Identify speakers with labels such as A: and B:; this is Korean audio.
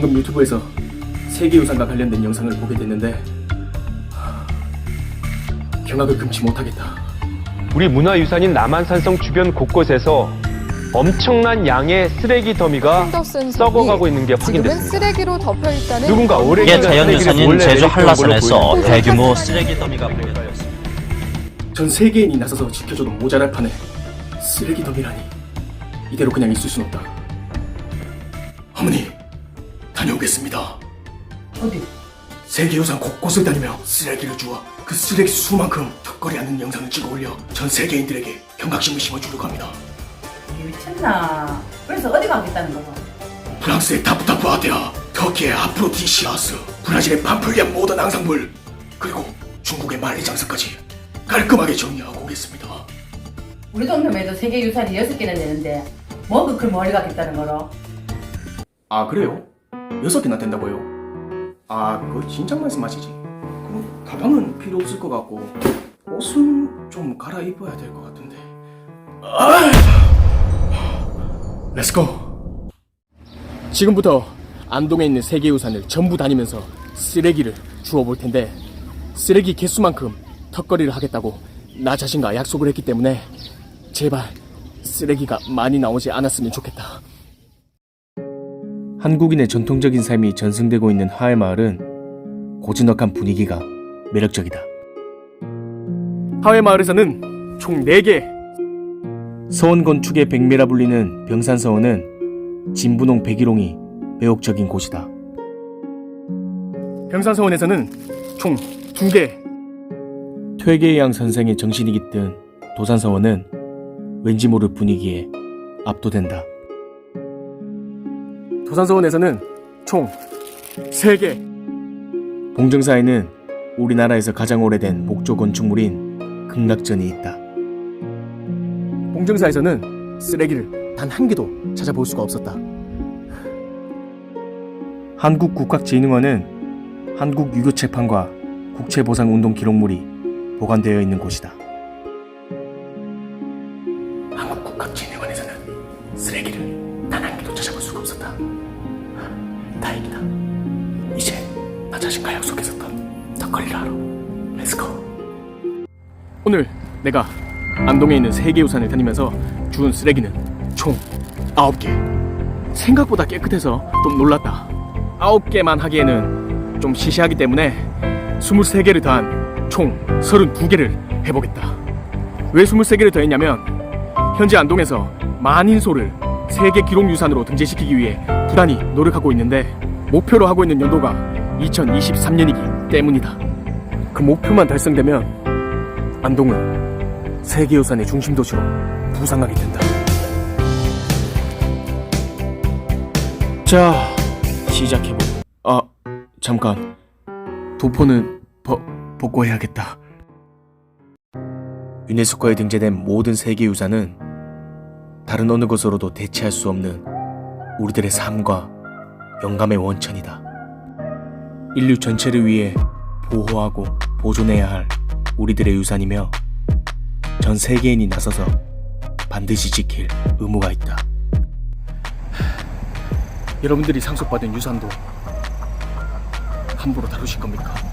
A: 방금 유튜브에서 세계유산과 관련된 영상을 보게 됐는데 경악을 금치 못하겠다.
B: 우리 문화유산인 남한산성 주변 곳곳에서 엄청난 양의 쓰레기 더미가 썩어가고 있는 게
C: 지금은
B: 확인됐습니다.
C: 쓰레기로 덮여 있다는
B: 누군가 오래
D: 이게 자연유산인 제주 한라산에서 대규모 쓰레기 더미가 발견되었습니다.
A: 전 세계인이 나서서 지켜줘도 모자랄 판에 쓰레기 더미라니. 이대로 그냥 있을 순 없다. 어머니, 다녀오겠습니다.
E: 어디?
A: 세계유산 곳곳을 다니며 쓰레기를 주워 그 쓰레기 수만큼 턱걸이하는 영상을 찍어 올려 전 세계인들에게 경각심을 심어주려고 합니다.
E: 미쳤나? 그래서 어디 가겠다는 거야?
A: 프랑스의 타프타프 아테아, 터키의 아프로디시아스, 브라질의 팜플리안 모던 앙상블, 그리고 중국의 만리장성까지 깔끔하게 정리하고 오겠습니다.
E: 우리 동네에도 세계유산이 6개나 되는데 뭐 그걸 멀리 가겠다는 거로?
A: 아, 그래요? 6개나 된다고요? 아, 그거 진작 말씀하시지. 그럼 가방은 필요 없을 것 같고 옷은 좀 갈아입어야 될 것 같은데. 렛츠고! 지금부터 안동에 있는 세계유산을 전부 다니면서 쓰레기를 주워볼 텐데, 쓰레기 개수만큼 턱걸이를 하겠다고 나 자신과 약속을 했기 때문에 제발 쓰레기가 많이 나오지 않았으면 좋겠다. 한국인의 전통적인 삶이 전승되고 있는 하회마을은 고즈넉한 분위기가 매력적이다. 하회마을에서는 총 4개 서원 건축의 백미라 불리는 병산서원은 진분홍 백일홍이 매혹적인 곳이다. 병산서원에서는 총 2개 퇴계양 선생의 정신이 깃든 도산서원은 왠지 모를 분위기에 압도된다. 도산서원에서는 총 3개 봉정사에는 우리나라에서 가장 오래된 목조 건축물인 극락전이 있다. 봉정사에서는 쓰레기를 단 한 개도 찾아볼 수가 없었다. 한국국학진흥원은 한국유교체판과 국채보상운동 기록물이 보관되어 있는 곳이다. 한국국학진흥원에서는 쓰레기를 단 한 개도 찾아볼 수가 없었다. 다행이다. 이제 나 자신과 약속했었던 턱걸이를 하러 렛츠고. 오늘 내가 안동에 있는 세계유산을 다니면서 주운 쓰레기는 총 9개. 생각보다 깨끗해서 좀 놀랐다. 9개만 하기에는 좀 시시하기 때문에 23개를 더한 총 32개를 해보겠다. 왜 23개를 더했냐면 현재 안동에서 만인소를 세계 기록유산으로 등재시키기 위해 부단히 노력하고 있는데 목표로 하고 있는 연도가 2023년이기 때문이다. 그 목표만 달성되면 안동은 세계유산의 중심도시로 부상하게 된다. 자, 시작해보자. 잠깐. 도포는 복구해야겠다. 유네스코에 등재된 모든 세계유산은 다른 어느 것으로도 대체할 수 없는 우리들의 삶과 영감의 원천이다. 인류 전체를 위해 보호하고 보존해야 할 우리들의 유산이며 전 세계인이 나서서 반드시 지킬 의무가 있다. 여러분들이 상속받은 유산도 함부로 다루실 겁니까?